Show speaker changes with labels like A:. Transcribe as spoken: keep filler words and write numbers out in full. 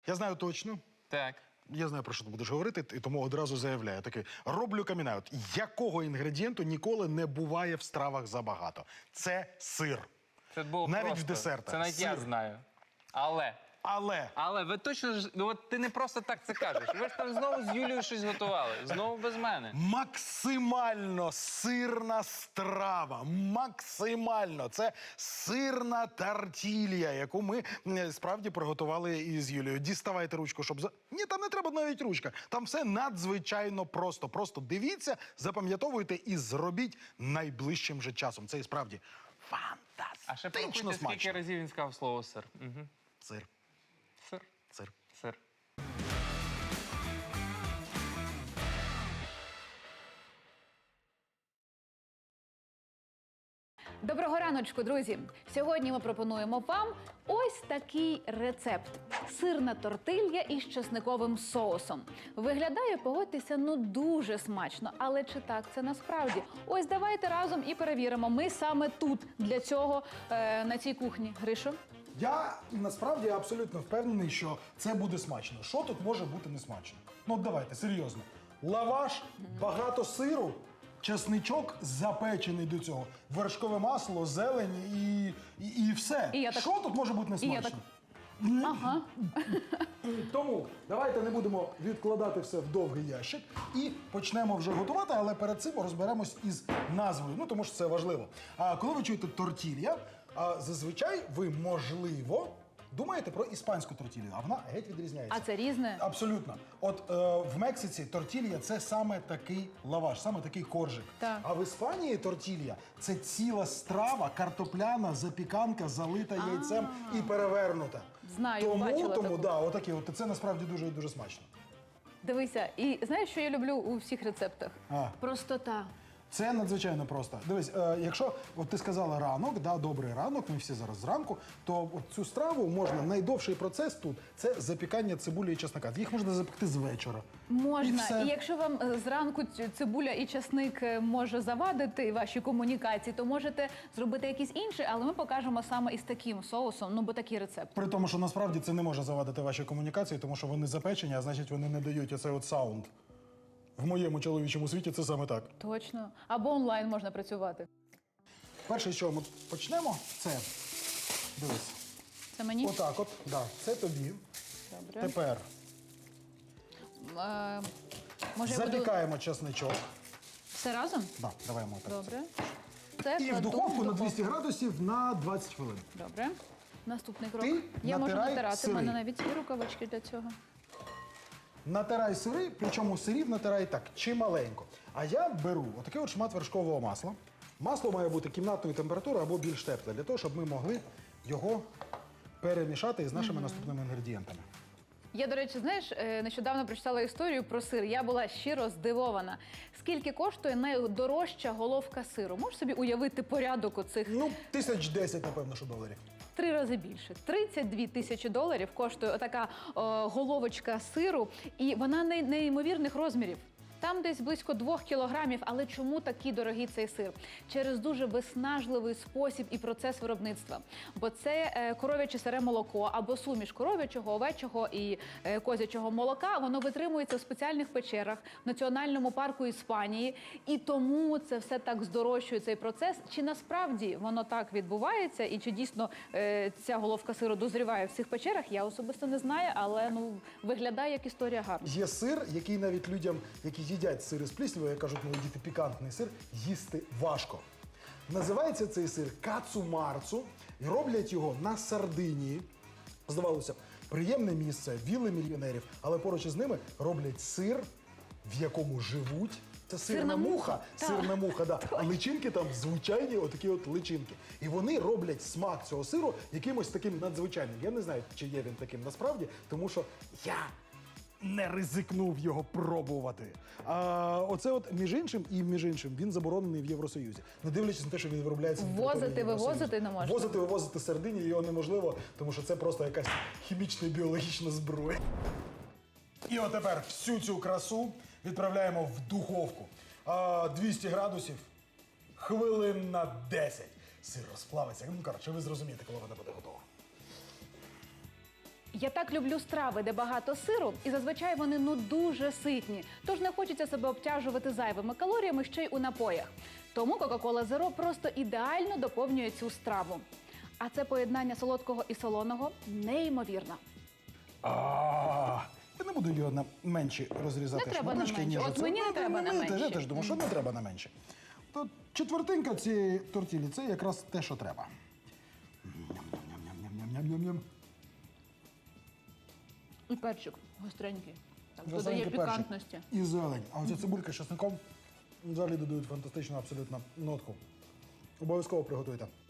A: Я знаю точно.
B: Так.
A: Я знаю, про що ти будеш говорити, і тому одразу заявляю. Такий, роблю камінаут. Якого інгредієнту ніколи не буває в стравах забагато? Це сир.
B: Це було
A: Навіть
B: просто.
A: в десертах.
B: Це навіть
A: Сир.
B: я знаю. Але.
A: Але
B: Але ви точно ж. Ну, от ти не просто так це кажеш. Ви ж там знову з Юлією щось готували. Знову без мене.
A: максимально сирна страва. Максимально. Це сирна тартілья, яку ми м, справді приготували із Юлією. Діставайте ручку, щоб... За... Ні, там не треба навіть ручка. Там все надзвичайно просто. Просто дивіться, запам'ятовуйте і зробіть найближчим же часом. Це і справді фантастично
B: А ще порахуйте, скільки
A: смачно.
B: разів він сказав слово сир. Угу.
A: Сир.
B: Сир.
A: Сир.
B: Сир.
C: Доброго раночку, друзі! Сьогодні ми пропонуємо вам ось такий рецепт. Сирна тортилья із чесниковим соусом. Виглядає, погодьтеся, ну дуже смачно. Але чи так це насправді? Ось давайте разом і перевіримо. Ми саме тут, для цього, е, на цій кухні. Гришо?
A: Я насправді абсолютно впевнений, що це буде смачно. Що тут може бути не смачно? Ну от давайте, серйозно. Лаваш, багато сиру, чесничок запечений до цього, вершкове масло, зелень і, і, і все.
C: І я так-
A: Що тут може бути не
C: І я
A: смачно?
C: так- Ага.
A: Тому давайте не будемо відкладати все в довгий ящик і почнемо вже готувати, але перед цим розберемось із назвою, ну тому що це важливо. А коли ви чуєте тортілья, а зазвичай ви, можливо, думаєте про іспанську тортілью, а вона геть відрізняється.
C: А це різне?
A: Абсолютно. От е, в Мексиці тортілья – це саме такий лаваш, саме такий коржик.
C: Так.
A: А в Іспанії тортілья – це ціла страва, картопляна, запіканка, залита яйцем і перевернута.
C: Знаю,
A: тому,
C: бачила
A: Тому,
C: таку.
A: да, отакі, от, це насправді дуже-дуже смачно.
C: Дивися, і знаєш, що я люблю у всіх рецептах?
A: А.
C: Простота.
A: Це надзвичайно просто. Дивись, е, якщо от ти сказала ранок, да, добрий ранок, ми всі зараз зранку, то от цю страву можна, найдовший процес тут – це запікання цибулі і чеснока. Їх можна запекти з вечора. І
C: Можна.
A: все.
C: І якщо вам е, зранку ць- цибуля і часник е, може завадити ваші комунікації, то можете зробити якийсь інший, але ми покажемо саме із таким соусом, ну бо такий рецепт.
A: При тому, що насправді це не може завадити ваші комунікації, тому що вони запечені, а значить вони не дають оцей от саунд. В моєму чоловічому світі це саме так.
C: Точно. Або онлайн можна працювати.
A: Перше, з чого ми почнемо, це, дивись,
C: Це мені?
A: отак от, да, це тобі.
C: Добре.
A: Тепер
C: Е, може, я буду
A: запікаємо чесничок.
C: все разом?
A: Да, давай ми так.
C: Добре. Це
A: І в
C: кладу
A: духовку на двісті градусів на двадцять хвилин.
C: Добре. Наступний крок.
A: Ти
C: я можу
A: натирай
C: натирати. У
A: сири.
C: мене навіть є рукавички для цього.
A: Натирай сири, причому сирів натирай так, чималенько. А я беру отакий от шмат вершкового масла. Масло має бути кімнатної температури або більш тепле, для того, щоб ми могли його перемішати із нашими наступними інгредієнтами.
C: Я, до речі, знаєш, е, нещодавно прочитала історію про сир. Я була щиро здивована. Скільки коштує найдорожча головка сиру? Можеш собі уявити порядок оцих
A: Ну, тисяч десять, напевно, що доларів.
C: три рази більше. тридцять дві тисячі доларів коштує отака о, головочка сиру, і вона не- неймовірних розмірів. Там десь близько двох кілограмів, але чому такий дорогий цей сир? Через дуже виснажливий спосіб і процес виробництва. Бо це е, коров'яче сире молоко або суміш коров'ячого, овечого і е, козячого молока. Воно витримується в спеціальних печерах в Національному парку Іспанії. І тому це все так здорожчує цей процес. Чи насправді воно так відбувається? І чи дійсно е, ця головка сиру дозріває в цих печерах? Я особисто не знаю, але ну виглядає як історія гарна.
A: Є сир, який навіть людям, які їдять сири з пліснявою, як кажуть мої діти, пікантний сир, їсти важко. Називається цей сир кацу-марцу, і роблять його на Сардинії. Здавалося б, приємне місце, вілли мільйонерів, але поруч із ними роблять сир, в якому живуть. Це сирна,
C: Сирна
A: муха,
C: муха, так.
A: сирна муха, да. А личинки там звичайні отакі от личинки. І вони роблять смак цього сиру якимось таким надзвичайним. Я не знаю, чи є він таким насправді, тому що я не ризикнув його пробувати. А оце от, між іншим, і між іншим, він заборонений в Євросоюзі. Не дивлячись на те, що він виробляється на
C: Ввозити,
A: території Євросоюзу.
C: вивозити не можна.
A: Ввозити, вивозити з Сардинії його неможливо, тому що це просто якась хімічна і біологічна зброя. І от тепер всю цю красу відправляємо в духовку. А, двісті градусів, хвилин на десять. Сир розплавиться. Ну, коротше, ви зрозумієте, коли вона буде готова.
C: Я так люблю страви, де багато сиру, і зазвичай вони ну дуже ситні. Тож не хочеться себе обтяжувати зайвими калоріями ще й у напоях. Тому Coca-Cola Zero просто ідеально доповнює цю страву. А це поєднання солодкого і солоного неймовірно.
A: А, я не буду його на менші розрізати
C: Не треба на
A: шматочки,
C: менші.
A: ніж
C: От
A: оце.
C: мені не
A: Ну,
C: треба на
A: ну, Я
C: менші.
A: теж думаю, що не треба на менші. То четвертинка цієї тортілі – це якраз те, що треба. Ням-ням-ням-ням-ням-ням-ням.
C: І перчик гостренький. Так,
A: Красивенький
C: додає
A: перчик.
C: пікантності.
A: І зелень. А оця цибулька з часником взагалі додають фантастичну абсолютно нотку. Обов'язково приготуйте.